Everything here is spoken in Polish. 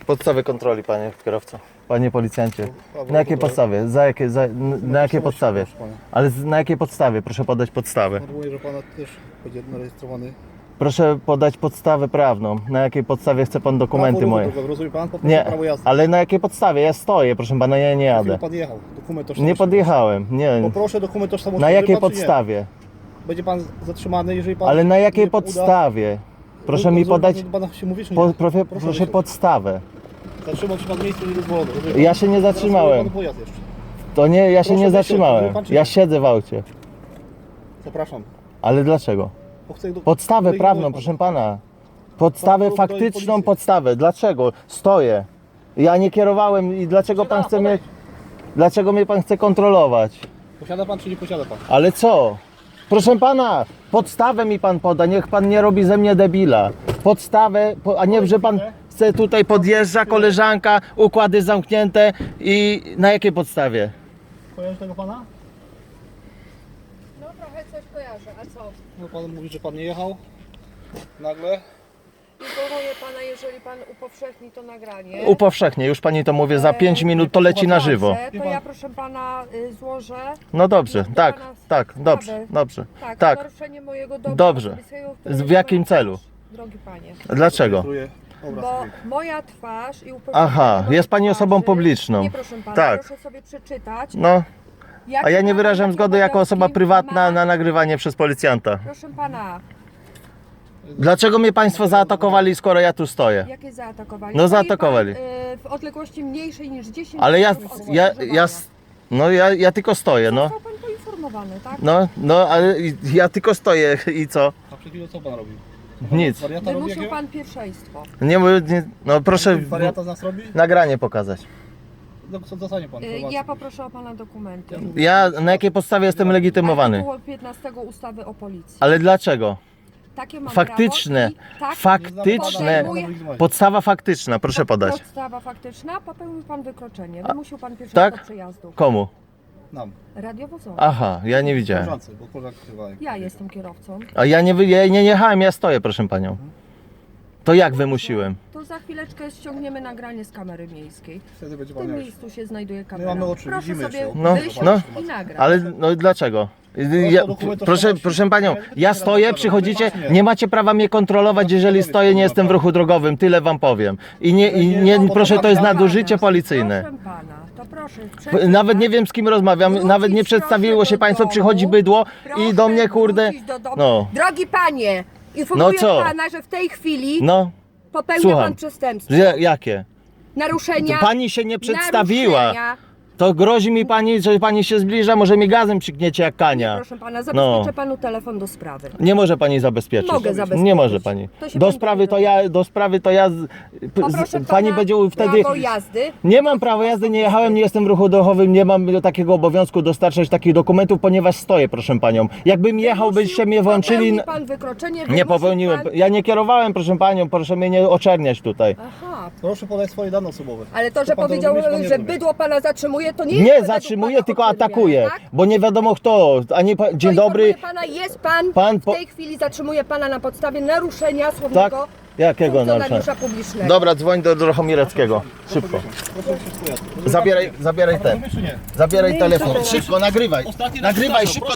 Podstawy kontroli, panie kierowco. Panie policjancie. Na jakiej podstawie? Na jakiej podstawie? Ale na jakiej podstawie? Proszę podać podstawę. Informuję, że pana też będzie zarejestrowany. Proszę podać podstawę prawną. Na jakiej podstawie chce pan dokumenty moje? Rozumie pan? Po prostu Nie, prawo jazdy. ale na jakiej podstawie? Ja stoję, proszę pana, ja nie jadę. Pan jechał. Dokument tożsamości. Nie podjechałem, nie. Poproszę dokument tożsamości. Na jakiej pan, czy nie? podstawie? Będzie pan zatrzymany, jeżeli pan... Ale na jakiej nie uda- podstawie? Proszę mi podać Pan się mówi, czy nie? proszę wyjść. podstawę. Zatrzymał się pan w miejscu niedozwolone. Ja się nie zatrzymałem. Pan pojazd jeszcze. To nie, ja się Proszę nie wysiąść, zatrzymałem. rozumie pan, czy Ja nie? siedzę w aucie. Zapraszam. Ale dlaczego? Bo chcę Podstawę wyjść prawną, pan. proszę pana. Podstawę Pan faktyczną policję. podstawę. Dlaczego? Stoję. Ja nie kierowałem i dlaczego pan chce mnie... Dlaczego mnie pan chce kontrolować? Posiada pan, czy nie posiada pan? Ale co? Proszę pana, podstawę mi pan poda, niech pan nie robi ze mnie debila. Podstawę, a nie, że pan chce tutaj podjeżdża koleżanka, układy zamknięte i na jakiej podstawie? Kojarzy tego pana? No trochę coś kojarzę, a co? No pan mówi, że pan nie jechał. Nagle. Informuję pana, jeżeli pan upowszechni to nagranie. Upowszechnie, już pani to mówię, za 5 minut to leci na żywo. Dobrze, to ja proszę pana złożę. No dobrze, do tak, pana tak, sprawy. dobrze, dobrze. Tak, Tak. naruszenie mojego dobra Dobrze. osobistego, które W jakim pan celu? też, drogi panie. Dlaczego? Rejestruję obraz. Bo moja twarz i upowszechnienie Aha, mojej jest pani osobą twarzy- publiczną. Nie, proszę pana, Tak. proszę sobie przeczytać. No, jakie a ja nie prawa, wyrażam jakie zgody jako osoba obowiązki prywatna ma- na nagrywanie przez policjanta. Proszę pana, Dlaczego mnie państwo zaatakowali, skoro ja tu stoję? jakie zaatakowali? No, Stoi zaatakowali. Pan, w odległości mniejszej niż 10 Ale metrów od skrzyżowania. no ja tylko stoję, no. Został pan poinformowany, tak? No, ale ja tylko stoję i co? A przed chwilą co pan robił? Nic. Wariata robi Wymusił jakiego? pan pierwszeństwo. No proszę Wariata z nas robi? nagranie pokazać. No co dostanie pan? Ja poproszę o pana dokumenty. Ja na jakiej podstawie jestem legitymowany? Artykuł 15 ustawy o policji. Ale dlaczego? Takie mam Faktyczne, prawo i tak faktyczne, podstawa faktyczna, proszę podać. podstawa faktyczna, popełnił pan wykroczenie. Wymusił pan pierwszego tak? przejazdu. Komu? Nam. Radiowozowy. Aha, ja nie widziałem. Koleżance, bo koleżanki chyba. Ja jestem kierowcą. A ja nie jechałem, ja stoję, proszę panią. To jak wymusiłem? To za chwileczkę ściągniemy nagranie z kamery miejskiej. Wtedy będzie W pan tym miał. miejscu się znajduje kamera. mamy oczy, Proszę widzimy sobie się. No, wysiąść no. i nagrać. Ale no dlaczego? Proszę panią, ja stoję, przychodzicie, nie macie prawa mnie kontrolować, jeżeli stoję, nie jestem w ruchu drogowym, tyle wam powiem. Proszę, to jest nadużycie policyjne. Proszę pana, to proszę. Nawet nie wiem, z kim rozmawiam, nawet nie przedstawiło się państwo, przychodzi bydło i do mnie, kurde, no. Drogi panie, informuję No co? pana, że w tej chwili No, popełnia słucham. pan przestępstwo. Jakie? Naruszenia. Pani się nie przedstawiła. naruszenia. To grozi mi pani, że pani się zbliża, może mi gazem przykniecie jak kania. Proszę pana, zabezpieczę No. panu telefon do sprawy. Nie może pani zabezpieczyć. Mogę zabezpieczyć. Nie może pani. To się Do pan sprawy to ja Poproszę pani pana będzie wtedy. prawo jazdy. Nie mam prawa jazdy, nie jechałem, nie jestem w ruchu drogowym, nie mam takiego obowiązku dostarczać takich dokumentów, ponieważ stoję, proszę panią. Jakbym jechał, byście mnie włączyli. Popełnił pan wykroczenie. Nie wymusił popełniłem. Pan... Ja nie kierowałem, proszę panią, proszę mnie nie oczerniać tutaj. Aha, Proszę podać swoje dane osobowe. ale to, że Co pan powiedział, zrozumieć, pan nie że rozumie. bydło pana zatrzymuje, to nie Nie jest według zatrzymuję, pana tylko ochroniarza, atakuję, tak? bo nie wiadomo kto. Dzień To dobry. informuję pana, jest pan, Pan w tej chwili zatrzymuje pana na podstawie naruszenia Tak? słownego Jakiego naruszenia? funkcjonariusza publicznego. Dobra, dzwoń do Drochomireckiego. Szybko. Proszę się spojazd. Zabieraj ten. Rozumiesz, czy nie? Zabieraj telefon. Szybko, nagrywaj. Ostatni raz Nagrywaj powtarzam, szybko.